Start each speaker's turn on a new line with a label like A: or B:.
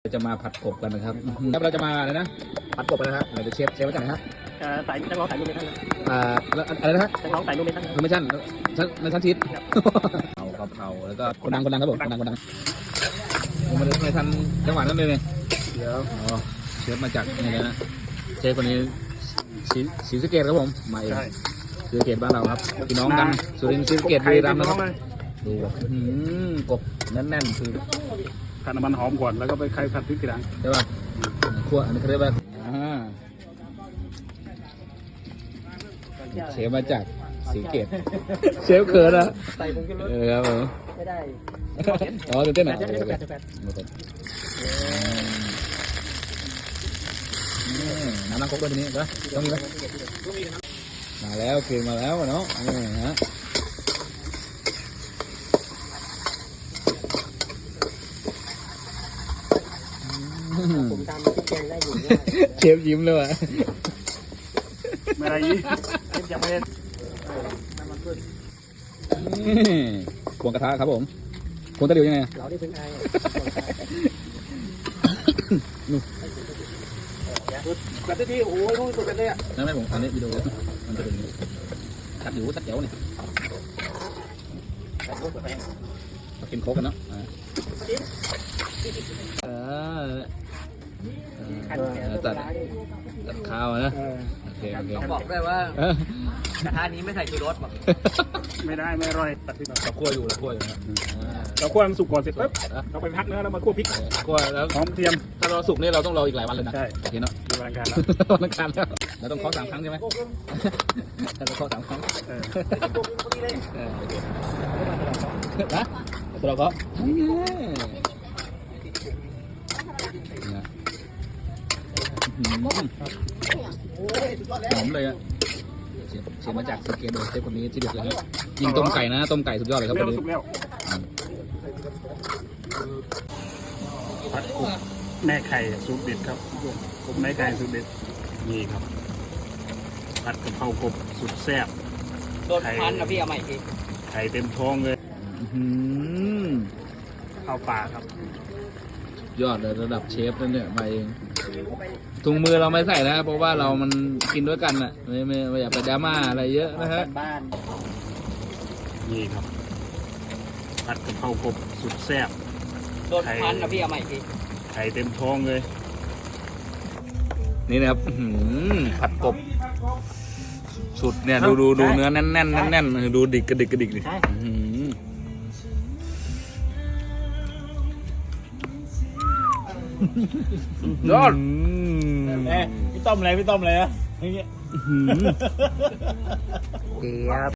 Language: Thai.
A: จะมาผัดกบกันนะครับแล้วเราจะมาอะไรนะผัดกบกันนะครับเราจะเชฟมาจากไหนฮะ
B: สายนักร้องสายนุ่มเมทัล
A: แล้วอะไรนะฮะ
B: นักร้องสายนุ่มเมทัล
A: ไม่ใช่ชั้นทิศเอากะเพราแล้วก็คนดังครับผมคนดังผมไม่ทันจังหวะนั้นเลยเดี๋ยวเชฟมาจากนี่นะเชฟคนนี้ศรีสะเกษครับผมมาเองศรีสะเกษบ้านเราครับพี่น้องกันสุรินทร์ศรีสะเกษบุรีรัมย์นะครับดูกบแน่นๆคือ
C: ผัดน้ำมันหอมก่อนแล้วก็ไปไข่ผัดพริกทีหลัง
A: ใช่ป่ะขั้วอันนี้เขาเรียกว่าเชฟมาจากศรีสะเกษเชฟเขินนะ
B: ใส่ผงชูรส
A: ครับผม
B: ไม่ได้
A: ตื่นเต้นหน่อยน้ำล้างครกด้วยทีนี้นะต้องมีไหมมาแล้วคือมาแล้วเนาะฮะ
B: ผมทำแกงได้อยู่
A: เชฟยิ้มเลยว่ะ
C: ไม่ได้ยี่
B: ยังไม่ได้
A: ควงกระทะครับผมควงตะหลิวยังไง
B: เราได้เป็นไงแบบที่โอ้ยรู้สุดกันเลยอ่ะ
A: นั่นไม่ผมอันนี้วิดีโอมันจะเป็นตัดหลิวตัดเจ๋วนี่มากินโค้กกันเนาะตัดข้าวนะโอเค
B: บอกได้ว่ากระทะนี้ไม่ใส่ชูรสหรอก
C: ไม่ได้ไม่อร่อยตัดพริก
A: เราคั่วอยู่นะ
C: เราคั่วมันสุกก่อนเสร็จปุ๊บเราไปพักเนื้อแล้วมาคั่วพริก
A: คั่วแล้ว
C: หอมเทียม
A: ถ้าเราสุกนี่เราต้องรออีกหลายวันเลยนะ
C: ใช่
A: โอเคเนาะ
C: วันอังคารแล้ว
A: วันอังคารแล้วเราต้องเคาะ3 ครั้งใช่ไหมเราเคาะ3 ครั้งนะตัวเราเคาะหอมเลยอะเสียมาจากสเกตโดยเชฟคนนี้ที่เด็ดเลยครับยิงต้มไก่นะต้มไก่สุดยอดเลยครับคนนี้
C: ผัดกบแม่ไข่สูตรเด็ดครับกบแม่ไข่สูตรเด็ดนี่ครับผัดกะเพรากบสุดแซ่บ
B: โดนพันนะพี่เอาใหม่พี่
C: ไข่เต็มท้องเลยข้าวปลาครับ
A: ยอดเลยระดับเชฟนั่นเนี่ยมาเองถุงมือเราไม่ใส่นะเพราะว่าเรามันกินด้วยกันอ่ะไม่อยากไปดราม่าอะไรเยอะนะฮะ
B: บ้าน
C: นี่ครับผัดกะเพรากบสุดแซ่บ
B: โดนพันนะพี่เอาใหม่พี่
C: ไข่เต็มท้องเลย
A: นี่นะครับผัดกบสุดเนี่ยดูเนื้อแน่นดูดิกระดิกดิยอด
C: พี่ต้มอะไรอะอย่างเงี้ย
B: เกี๊ยบ